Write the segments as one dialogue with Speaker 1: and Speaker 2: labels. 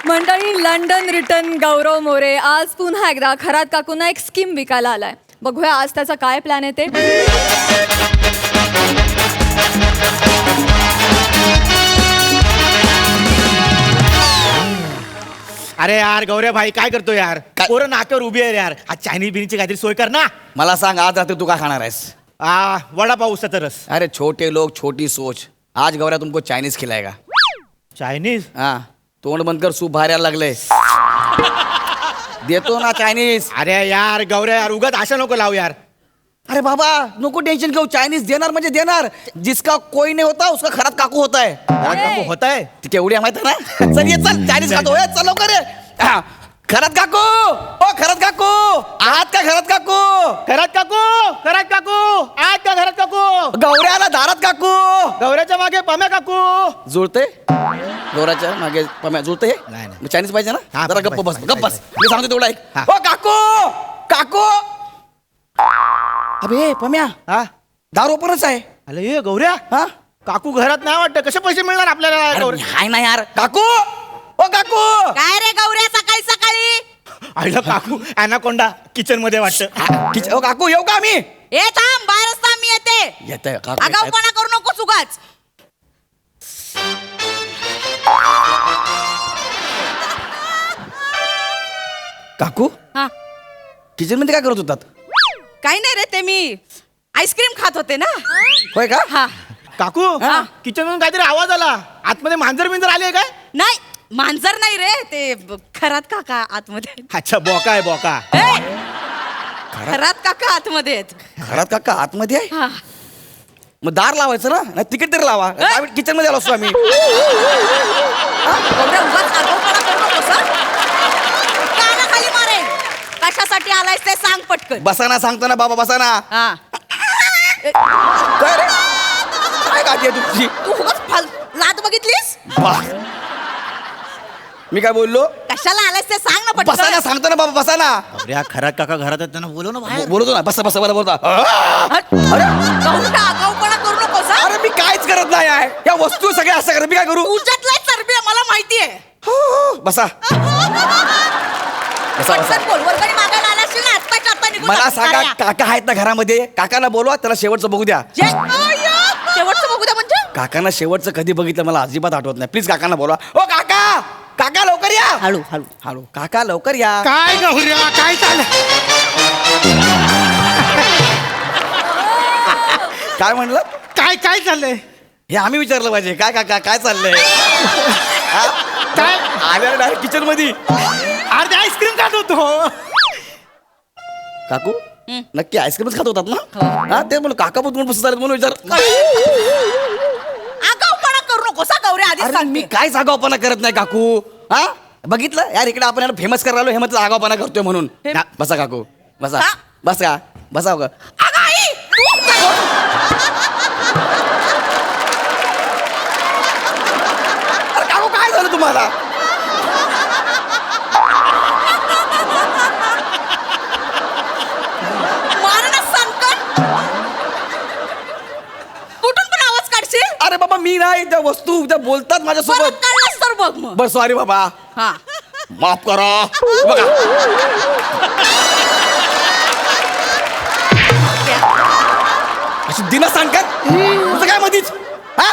Speaker 1: मंडळी, London return गौरव मोरे आज पुन्हा एकदा खरात काकूंना एक स्कीम विकायला आलाय. बघूया आज त्याचा काय प्लॅन आहे ते.
Speaker 2: अरे यार गौऱ्या भाई काय करतो यार? पोरं नाक्यावर उभी आहे यार. आज चायनीज बिनीची काहीतरी सोय कर ना.
Speaker 3: मला सांग आज रात्री तू काय खाणार आहेस?
Speaker 2: वडापाव उसाचा रस.
Speaker 3: अरे छोटे लोग छोटी सोच. आज गौऱ्या तुमको चायनीज खिलाएगा.
Speaker 2: चायनीज?
Speaker 3: हाँ तोंड बंद कर, सूप बाहेर यायला लागले. देतो ना चायनीज.
Speaker 2: अरे यार गौऱ्या यार उगाच आशा नको लावू यार.
Speaker 3: अरे बाबा नको टेंशन घेऊ, चायनीज देणार म्हणजे देणार. जिसका कोई नहीं होता उसका खरात काकू होता है.
Speaker 2: काकू होत आहे.
Speaker 3: ती तेवढी माहित आहे ना. चल ये चल चायनीज खातो. ए, चल लवकर ये. हा, खरात काकू ओ खरात काकू आहात का खरात काकू?
Speaker 2: घरात काकू, घरात काकू, आज का घरात काकू?
Speaker 3: गौऱ्याला दारात काकू.
Speaker 2: गौऱ्याच्या मागे पम्या काकू.
Speaker 3: जुळते गौऱ्याच्या मागे पम्या जुळते.
Speaker 2: नाही, नाही.
Speaker 3: चायनीज पाहिजे ना.
Speaker 2: हा,
Speaker 3: जरा गप्प बस
Speaker 2: पाहिजे,
Speaker 3: गप्प बस. मी सांगतो तेवढा ऐक.
Speaker 2: हा.
Speaker 3: ओ काकू काकू. अबे पम्या
Speaker 2: हा
Speaker 3: दार ओपनच आहे.
Speaker 2: अरे ये गौऱ्या,
Speaker 3: हा
Speaker 2: काकू घरात नाही वाटतं. कसे पैसे मिळणार आपल्याला?
Speaker 3: अरे,
Speaker 2: गौऱ्या
Speaker 3: हाय ना यार काकू. ओ काकू
Speaker 4: काय रे गौऱ्या सकाळी सकाळी?
Speaker 2: आईला काकू अॅनाकोंडा किचन मध्ये वाटतं.
Speaker 3: ओ काकू येऊ का आम्ही?
Speaker 4: ए थांब, बाहेरच थांब, मी येते.
Speaker 3: येतंय काकू.
Speaker 4: आगाऊपणा करू नको उगाच.
Speaker 3: काकू
Speaker 4: हा
Speaker 3: किचन मध्ये काय करत होतात?
Speaker 4: काही नाही रे, ते मी आईस्क्रीम खात होते ना.
Speaker 3: होय का?
Speaker 4: हा
Speaker 2: काकू
Speaker 4: हा.
Speaker 2: किचन मधून काहीतरी आवाज आला. आतमध्ये मांजर बिंजर आली काय?
Speaker 4: नाही, मांजर नाही रे, ते खरात काका आतमध्ये.
Speaker 2: अच्छा बोका आहे बोका.
Speaker 4: ए, खरात काका आतमध्ये आहेत.
Speaker 3: घरात काका आतमध्ये आहे.
Speaker 4: हा.
Speaker 3: मग दार लावायचं ना. नाही तिकीट तरी लावा. किचन मध्ये आलो असतो आम्ही.
Speaker 4: गौऱ्या उगाच आगाऊपणा करू नकोस हं? कानाखाली मारेन. कशासाठी आलायस ते सांग पटकन.
Speaker 3: बसाना सांगतो ना बाबा बसाना.
Speaker 4: हा
Speaker 3: काय रे काय गाठी आहे तुमची?
Speaker 4: तू उगाच लात बघितलीस?
Speaker 3: मी काय बोललो?
Speaker 4: कशाला आलायस ते सांग ना
Speaker 3: बसाना
Speaker 4: पटकन.
Speaker 3: सांगतो ना बाबा बसाना.
Speaker 2: गौऱ्या खरात काका घरात आहेत त्यांना बोलव ना बाहेर.
Speaker 3: बोलतो ना बसा बसा मला बोलता.
Speaker 4: हट. गौऱ्या आगाऊपणा करू नकोस हं?
Speaker 3: अरे मी काहीच करत नाही आहे. या वस्तू सगळ्या असं करत मी काय करू?
Speaker 4: तुझ्यातलं चरबी आहे, मला माहितीये.
Speaker 3: बसा बसा बसा.
Speaker 4: पटकन बोल, वर्गणी मागायला आलास ना, आत्ताच्या आत्ता निघून
Speaker 3: मला
Speaker 4: जा.
Speaker 3: सांगा
Speaker 4: कार्या.
Speaker 3: काका आहेत ना घरामध्ये? काकाला बोलवा, त्याला शेवटचं बघू द्या.
Speaker 4: शेवटचं बघू द्या म्हणजे?
Speaker 3: काकांना शेवटचं कधी बघितलं मला अजिबात आठवत नाही. प्लीज काकांना बोलवा. ओ काका काका लवकर या.
Speaker 4: हळू हळू.
Speaker 3: हळू काका लवकर या.
Speaker 2: काय गौऱ्या काय चाललं?
Speaker 3: काय म्हणलं?
Speaker 2: काय काय चाललंय?
Speaker 3: हे आम्ही विचारलं पाहिजे. काय काका काय चाललंय?
Speaker 2: काय?
Speaker 3: आल्या डायरेक्ट किचन मध्ये.
Speaker 2: अर्धे आईस्क्रीम खात होतो.
Speaker 3: काकू नक्की आईस्क्रीमच खात होतात ना? हा ते म्हणून काका पण तुम्ही बसत म्हणून विचार.
Speaker 4: आगाऊपणा करू नकोस हं, गौऱ्या, आधीच
Speaker 3: अरे
Speaker 4: सांगते.
Speaker 3: मी काय आगाऊपणा करत नाही काकू. हा बघितलं यार इकडे आपण याला फेमस करायला हे म्हणतो आगाऊपणा करतोय म्हणून. बसा काकू बसा.
Speaker 4: हा?
Speaker 3: बसा बसा
Speaker 4: अगं आई, तू काय?
Speaker 3: अरे काकू काय झालं तुम्हाला?
Speaker 4: मार ना संकट. कुठून पण आवाज काढशील?
Speaker 3: अरे बाबा मी नाही त्या वस्तू त्या बोलतात
Speaker 4: परत
Speaker 3: माझ्यासोबत.
Speaker 4: काढलास तर बघ मग.
Speaker 3: बर सॉरी बाबा
Speaker 4: हा
Speaker 3: माफ करा. बघा अशी दिना सांगतात तुझं काय मधीच? हा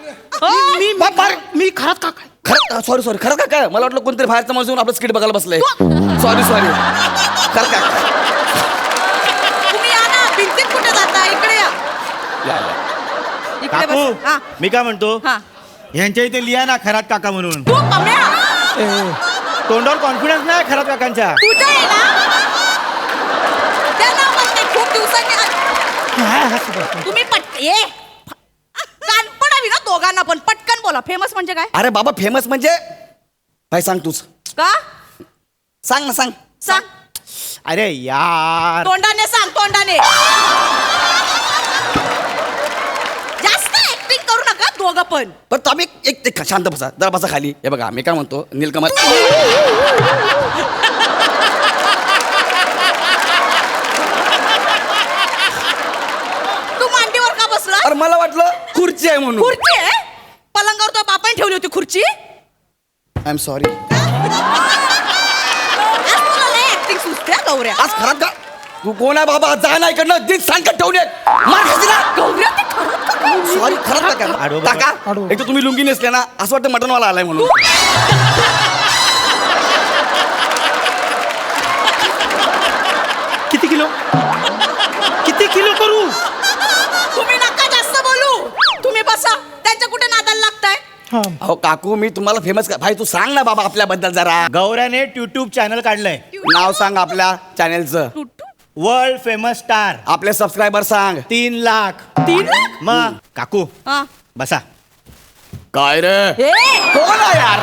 Speaker 2: मी खरात काका.
Speaker 3: खरं सॉरी सॉरी खरं का काय? मला वाटलं कोणतरी बाहेरचा माणूस येऊन आपलं स्किट बघायला बसलंय. सॉरी सॉरी खरं का?
Speaker 4: तुम्ही या ना, भिंतीत कुठे जाता? इकडे या.
Speaker 3: या, या.
Speaker 4: इकडे
Speaker 2: काकू
Speaker 4: बस. हा
Speaker 2: मी काय म्हणतो,
Speaker 4: हा.
Speaker 2: यांच्या इथे लिहा ना खरात काका म्हणून.
Speaker 4: तू कम्या,
Speaker 2: तोंडावर कॉन्फिडन्स नाही खरात काकांच्या.
Speaker 4: तुझं आहे ना? त्या नावाने खूप दिवसांनी तुम्ही कानपण हवी ना दोघांना पण. पटकन बोला, फेमस म्हणजे काय?
Speaker 3: अरे बाबा फेमस म्हणजे काय सांग तूच.
Speaker 4: का?
Speaker 3: सांग ना सांग.
Speaker 4: सांग.
Speaker 2: अरे यार
Speaker 4: तोंडाने सांग, तोंडाने. जास्त ऍक्टिंग करू नका दोघं पण.
Speaker 3: पण तो आम्ही एक शांत बसा जरा बसा खाली. हे बघा मी काय म्हणतो नीलकमल.
Speaker 4: तू मांडीवर का बसला?
Speaker 3: अरे मला वाटलं खुर्ची आहे म्हणून.
Speaker 4: खुर्ची आहे? पलंगावर तो बापाने ठेवली होती खुर्ची.
Speaker 3: I am sorry.
Speaker 4: आज तुला लय ऍक्टिंग सुचते हा, गौऱ्या.
Speaker 3: आज खरात का तू कोण आहे बाबा जा ना इकडनं दिन सांगत ठेवून येत मार खाशी ना
Speaker 4: गौऱ्या ते खरंच का काय?
Speaker 3: सॉरी खरात
Speaker 2: आडवं
Speaker 3: का
Speaker 2: बघा.
Speaker 3: काका एक तर तुम्ही लुंगी नेसले ना असं वाटतं मटनवाला आलाय म्हणून
Speaker 5: किती किलो करू?
Speaker 4: तुम्ही नका जास्त बोलू. तुम्ही बसा. त्यांच्या कुठे नादाला लागताय?
Speaker 5: हा.
Speaker 3: अहो काकू मी तुम्हाला फेमस भाई तू सांग ना बाबा आपल्याबद्दल जरा
Speaker 2: गौऱ्याने युट्यूब चॅनल काढलंय
Speaker 3: नाव सांग आपल्या चॅनेलचं
Speaker 2: वर्ल्ड फेमस स्टार
Speaker 3: आपले सबस्क्रायबर सांग
Speaker 2: 3 लाख
Speaker 4: 3 लाख?
Speaker 2: मग काकू
Speaker 4: हा.
Speaker 2: बसा.
Speaker 3: काय रे
Speaker 4: ए,
Speaker 3: कोण आहे यार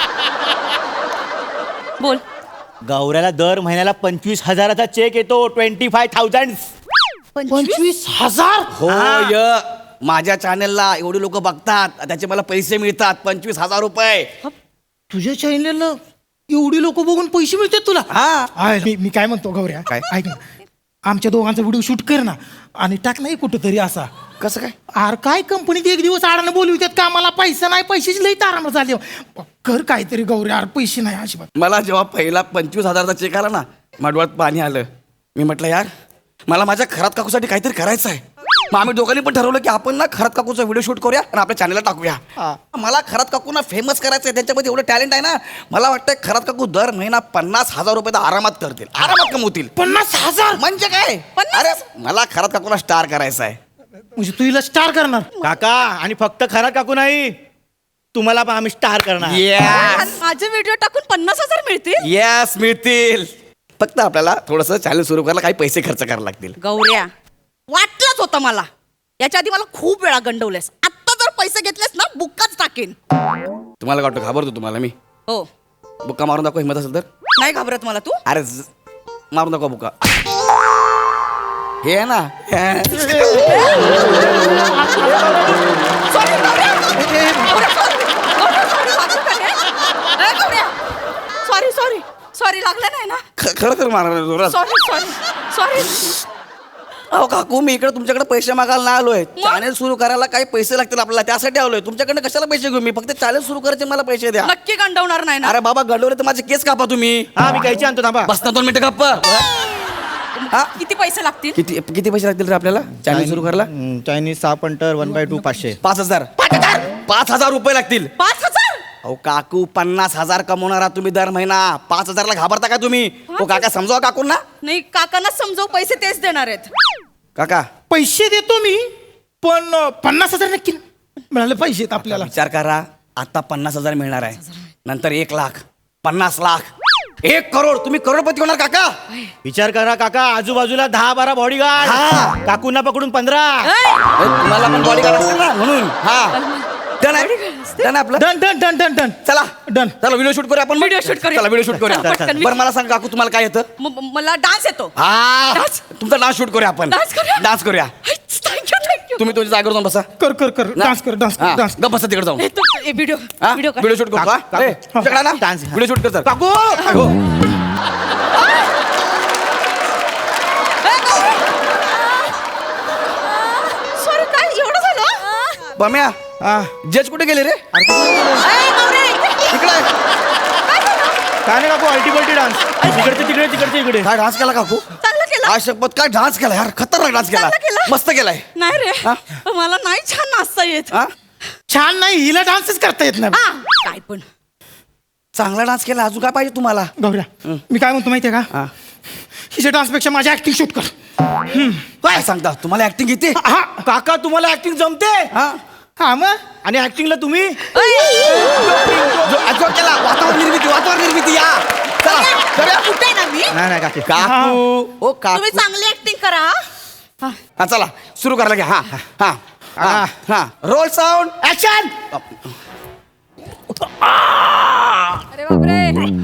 Speaker 4: बोल.
Speaker 2: गौऱ्याला दर महिन्याला 25,000चा चेक येतो 25,000.
Speaker 5: 25,000?
Speaker 3: हो य माझ्या चॅनेलला एवढे लोक बघतात त्याचे मला पैसे मिळतात 25,000 रुपये
Speaker 5: तुझ्या चॅनलला एवढी लोक बघून पैसे मिळतात तुला?
Speaker 3: हा
Speaker 5: मी काय म्हणतो गौऱ्या,
Speaker 3: काय?
Speaker 5: ऐक ना, आमच्या दोघांचा व्हिडिओ शूट कर ना आणि टाक नाही कुठंतरी असा.
Speaker 3: कसं काय
Speaker 5: आर काय कंपनीत एक दिवस आडानं बोलवितात का मला पैसा नाही, पैशाची लई तारांबर झाली. कर काहीतरी गौऱ्या, आर पैसे नाही अजिबात.
Speaker 3: मला जेव्हा पहिला 25,000चा चेक आला ना माझ्या डोळ्यात पाणी आलं. मी म्हटलं यार मला माझ्या खरात काकूसाठी काहीतरी करायचं आहे. मग आम्ही दोघांनी पण ठरवलं की आपण ना खरात काकूचा व्हिडिओ शूट करूया आणि आपल्या चॅनलला टाकूया. मला खरात काकूंना फेमस करायचं आहे. त्यांच्यामध्ये एवढं टॅलेंट आहे ना. मला वाटतं खरात काकू दर महिना 50,000 रुपये तर आरामात करतील, आरामात कमवतील.
Speaker 5: 50,000
Speaker 3: म्हणजे काय
Speaker 4: 50,000?
Speaker 3: अरे मला खरात काकूला स्टार करायचं आहे.
Speaker 5: म्हणजे तू हिला स्टार करणार?
Speaker 2: काका आणि फक्त खरा काकू नाही तुम्हाला पण आम्ही स्टार करणार.
Speaker 3: Yes.
Speaker 4: आणि माझे व्हिडिओ टाकून 50,000 मिळतील?
Speaker 3: येस मिळतील. फक्त आपल्याला थोडंसं चॅनल सुरू करायला काही पैसे खर्च करायला लागतील.
Speaker 4: गौऱ्या वाटलंच होतं मला. याच्या आधी मला खूप वेळा गंडवलेस. आत्ता जर पैसे घेतलेस ना बुक्काच टाकेन.
Speaker 3: तुम्हाला काय वाटतं घाबरतो तुम्हाला मी?
Speaker 4: हो.
Speaker 3: बुक्का मारून दाखव हिंमत असेल तर.
Speaker 4: नाही घाबरत मला तू.
Speaker 3: अरे मारून दाखव बुक्का. हे आहे ना
Speaker 4: sorry Gaurya. Sorry sorry sorry लागलं नाही ना.
Speaker 3: खरं खरं मारणार जोरात.
Speaker 4: Sorry sorry sorry.
Speaker 3: अहो काकू मी इकडे तुमच्याकडे पैसे मागायला नाही आलोय. चॅनल सुरू करायला काही पैसे लागतील आपल्याला त्यासाठी आलोय. तुमच्याकडे कशाला पैसे घेऊ मी? फक्त चॅनल सुरू करायचे मला पैसे द्या.
Speaker 4: नक्की गंडवणार नाही ना.
Speaker 3: अरे बाबा गडवले तर माझे केस कापा तुम्ही.
Speaker 2: हा मी कैची आणतो थांबा.
Speaker 3: बस ना 2 मिनिटं गप्प. हा?
Speaker 4: किती पैसे लागतील?
Speaker 3: किती किती पैसे लागतील रे आपल्याला चॅनल सुरू करायला?
Speaker 2: Chinese 6 punter 1/2 500.
Speaker 3: 5,000 5,000 रुपये लागतील.
Speaker 4: 5,000?
Speaker 3: अहो काकू 50,000 कमवणारा तुम्ही दर महिना 5,000ला घाबरता का तुम्ही? हो काका समजावा काकूंना.
Speaker 4: नाही काकांना समजव. पैसे तेच देणार आहेत.
Speaker 3: काका
Speaker 5: पैसे देतो मी, पण 50,000 नक्की मिळाले पाहिजेत आपल्याला.
Speaker 3: विचार करा आता 50,000 मिळणार आहे. नंतर 1 लाख 50 लाख 1 करोड. तुम्ही करोडपती होणार काका.
Speaker 2: विचार करा काका आजूबाजूला 10-12 बॉडीगार्ड.
Speaker 3: हा.
Speaker 2: काकूंना पकडून 15.
Speaker 3: तुम्हाला पण बॉडीगार्ड असतील ना म्हणून. हा डन आहे डन आहे आपलं.
Speaker 5: Done done done done done.
Speaker 3: चला
Speaker 5: डन.
Speaker 3: चला व्हिडिओ शूट करूया आपण.
Speaker 4: Video shoot करूया.
Speaker 3: चला व्हिडिओ शूट करूया.
Speaker 4: चला, पटकन.
Speaker 3: बरं मला सांग काकू तुम्हाला काय येतं?
Speaker 4: मला डान्स येतो.
Speaker 3: हा
Speaker 4: Dance?
Speaker 3: तुमचा डान्स शूट करूया आपण.
Speaker 4: Dance करूया?
Speaker 3: डान्स करूया.
Speaker 4: थँक्यू.
Speaker 3: तुम्ही तुमच्या जागेवर जाऊन बसा.
Speaker 5: कर कर कर डान्स कर डान्स कर डान्स.
Speaker 3: गप बसा तिकडे जाऊन.
Speaker 4: व्हिडिओ
Speaker 3: हा?
Speaker 4: व्हिडिओ कर.
Speaker 3: व्हिडिओ शूट करू का?
Speaker 2: काकू.
Speaker 3: ए, तुमच्याकडे ना
Speaker 2: Dance.
Speaker 3: व्हिडिओ शूट कर सर.
Speaker 2: काकू
Speaker 3: हो.
Speaker 4: सॉरी काय एवढं झालं?
Speaker 3: बम्या जज कुठे गेले रे?
Speaker 4: ए, गौऱ्या, इथे.
Speaker 3: इकडे आहे.
Speaker 2: काय नाही काकू अल्टिमेटली डान्स. तिकडचे तिकडे तिकडचे इकडे.
Speaker 3: काय डान्स केला काकू?
Speaker 4: चांगलं केलं.
Speaker 3: काय शपथ काय डान्स केला यार. खतरनाक डान्स केला.
Speaker 4: चांगलं केलं.
Speaker 3: मस्त केलाय.
Speaker 4: नाही रे
Speaker 3: हा?
Speaker 4: मला नाही छान नाचता येत.
Speaker 3: हा?
Speaker 5: छान नाही, हिला डान्सच करता येत नाही.
Speaker 4: हा, काय पण.
Speaker 3: चांगला डान्स केला. अजून काय पाहिजे तुम्हाला?
Speaker 5: गौऱ्या मी काय म्हणतो माहितीये का,
Speaker 3: हा.
Speaker 5: हिच्या डान्सपेक्षा माझी ऍक्टिंग शूट कर.
Speaker 3: काय सांगता तुम्हाला ऍक्टिंग येते?
Speaker 2: हा काका तुम्हाला ऍक्टिंग जमते.
Speaker 3: हा
Speaker 5: हा मग
Speaker 2: आणि ऍक्टिंगला तुम्ही
Speaker 3: जो केला वातावरण निर्मिती या चला करूया.
Speaker 4: कुठे ना मी.
Speaker 2: नाही नाही काकी
Speaker 3: काकू ओ काकू
Speaker 4: तुम्ही चांगली ऍक्टिंग करा. हा.
Speaker 3: हा चला सुरू करायला घ्या. हा हा हा हा रोल साऊंड ऍक्शन.
Speaker 1: अरे बापरे.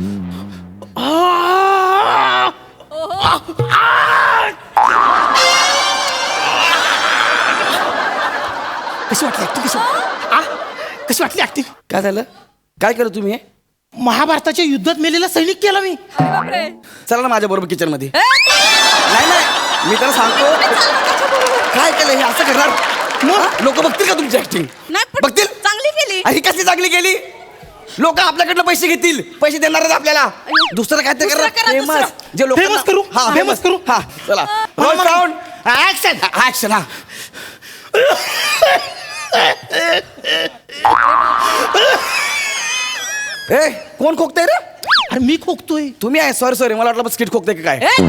Speaker 5: कशी वाटली ऍक्टिंग? कशी वाटली ऍक्टिंग?
Speaker 3: काय झालं? काय केलं तुम्ही हे?
Speaker 5: महाभारताच्या युद्धात मेलेला सैनिक केला मी.
Speaker 1: अरे बापरे.
Speaker 3: चला ना माझ्या बरोबर किचन मध्ये.
Speaker 4: ए,
Speaker 3: नाही नाही मी त्याला सांगतो काय केलं हे असं करणार. लोक बघतील का तुमची ऍक्टिंग?
Speaker 4: नाही पण
Speaker 3: बघतील.
Speaker 4: चांगली केली.
Speaker 3: ही कसली चांगली केली? लोक आपल्याकडनं पैसे घेतील, पैसे देणार आहेत आपल्याला. दुसरं काय ते
Speaker 4: दुसरं करा,
Speaker 3: फेमस
Speaker 4: दुसरं.
Speaker 3: जे लोक
Speaker 5: Famous करू?
Speaker 3: हा
Speaker 5: Famous
Speaker 3: फेमस
Speaker 5: करू?
Speaker 3: हा चला रोल साऊंड
Speaker 2: ऍक्शन.
Speaker 3: ऍक्शन हा. ए कोण खोकतंय रे?
Speaker 5: अरे मी खोकतोय.
Speaker 3: तुम्ही आहे. सॉरी मला वाटलं स्किट खोकते का काय.
Speaker 4: ए,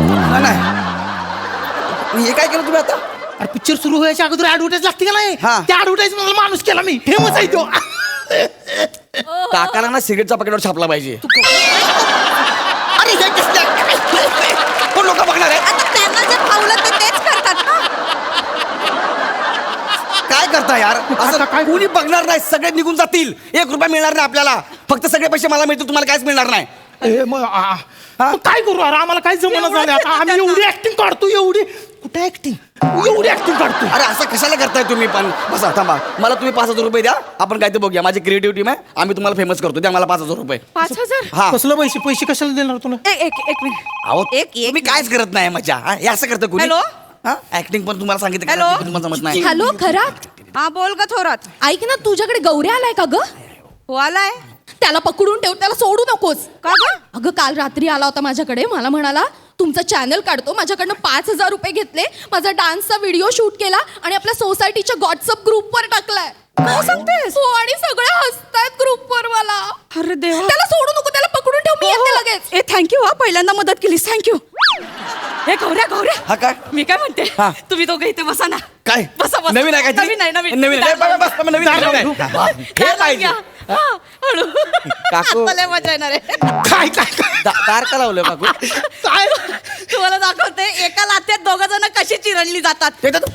Speaker 3: नाही हे काय केलं तुम्ही आता?
Speaker 5: अरे पिक्चर सुरू व्हायच्या अगोदर ऍडव्हर्टाईज लागते का नाही,
Speaker 3: हा.
Speaker 5: त्या ऍडव्हर्टाईज मला माणूस केला मी. फेमस आहे तो.
Speaker 3: काकाला ना सिगरेटचा पॅकेटवर छापला पाहिजे. अरे हे कसलं? कोण लोक बघणार आहे?
Speaker 4: आता त्यांना जे फावलं ते तेच करतात ना.
Speaker 3: काय करता यार असं
Speaker 5: काय?
Speaker 3: कोणी बघणार नाही. सगळे निघून जातील. 1 रुपया मिळणार नाही आपल्याला. फक्त सगळे पैसे मला मिळतील, तुम्हाला काहीच मिळणार नाही.
Speaker 5: ए, मग मग काय करू अरे, आम्हाला काय जमना झालं आता. आम्ही एवढी ऍक्टिंग काढतो, एवढी कुठे ऍक्टिंग, एवढी ऍक्टिंग काढतो.
Speaker 3: अरे असं कशाला करताय तुम्ही पण. बसा थांबा. मला तुम्ही 5,000 रुपये द्या. आपण काय ते बघूया. माझी क्रिएटिव्ह टीम आहे. आम्ही तुम्हाला फेमस करतो. द्या मला 5,000 रुपये.
Speaker 4: 5,000.
Speaker 3: हा
Speaker 5: कसलं पैसे पैसे कशाला देणार तुला?
Speaker 4: एक मिनिट.
Speaker 3: अहो
Speaker 4: एक
Speaker 3: तुम्ही कायच करत नाही मजा. हा, हे असं करतं कोणी.
Speaker 4: हॅलो?
Speaker 3: हा ऍक्टिंग पण तुम्हाला सांगितलं
Speaker 4: हॅलो?
Speaker 3: करायची, पण तुम्हाला जमत नाही.
Speaker 1: हॅलो खरात
Speaker 4: हा बोल ग थोरात.
Speaker 1: ऐक ना, तुझ्याकडे गौऱ्या आलाय का ग?
Speaker 4: हो आलाय
Speaker 1: त्याला पकडून ठेव, त्याला सोडू नकोस.
Speaker 4: का ग?
Speaker 1: अगं काल रात्री आला होता माझ्याकडे. मला म्हणाला तुमचं चॅनल काढतो. माझ्याकडनं 5,000 रुपये घेतले, माझा डान्सचा व्हिडिओ शूट केला आणि आपल्या सोसायटीच्या व्हॉट्सअप ग्रुपवर टाकलाय.
Speaker 4: काय सांगतेस?
Speaker 1: हो, आणि सगळे हसतायत ग्रुपवर मला.
Speaker 4: अरे देवा.
Speaker 1: त्याला सोडू नको, त्याला पकडून ठेव, मी येते लगेच.
Speaker 4: ए थँक्यू हा, पहिल्यांदा मदत केलीस. थँक्यू. हे गौऱ्या
Speaker 3: हा काय?
Speaker 4: मी काय म्हणते,
Speaker 3: हा.
Speaker 4: तुम्ही दोघं इथे बसा ना.
Speaker 3: काय
Speaker 4: बसा बसा.
Speaker 3: नवीन आहे काय?
Speaker 4: नवीन आहे नवीन.
Speaker 3: नवीन आहे. बस, बस, बस, नवीन आहे. हे पाहिजे.
Speaker 4: हा, हळू.
Speaker 3: काकू.
Speaker 4: आता लय मजा येणार आहे.
Speaker 5: काय काय काय?
Speaker 3: दार का लावलं काकू?
Speaker 5: काय
Speaker 4: तुम्हाला दाखवते एका लाथेत दोघं जण कशी चिरडली जातात.
Speaker 3: ते तर-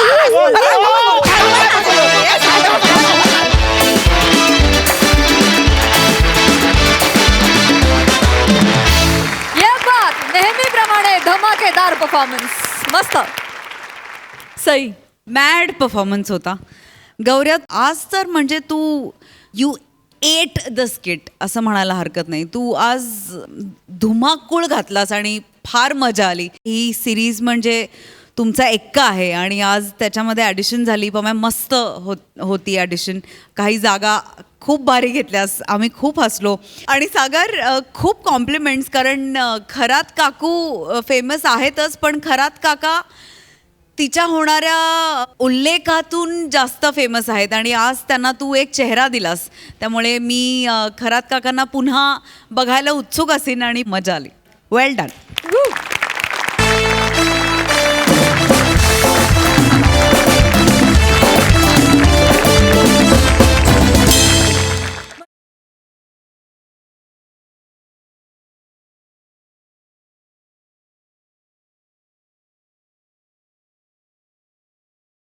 Speaker 1: ये बात नेहमीप्रमाणे धमाकेदार परफॉर्मन्स. मस्त. सई.
Speaker 6: मॅड परफॉर्मन्स होता गौऱ्या. आज तर म्हणजे तू यू एट द स्किट असं म्हणायला हरकत नाही. तू आज धुमाकूळ घातलास आणि फार मजा आली. ही सिरीज म्हणजे तुमचा एक्का आहे आणि आज त्याच्यामध्ये ॲडिशन झाली. पण मस्त होती ॲडिशन. काही जागा खूप भारी घेतल्यास. आम्ही खूप हसलो. आणि सागर खूप कॉम्प्लिमेंट्स, कारण खरात काकू फेमस आहेतच, पण खरात काका तिच्या होणाऱ्या उल्लेखातून जास्त फेमस आहेत आणि आज त्यांना तू एक चेहरा दिलास. त्यामुळे मी खरात काकांना पुन्हा बघायला उत्सुक असेन आणि मजा आली. Well done.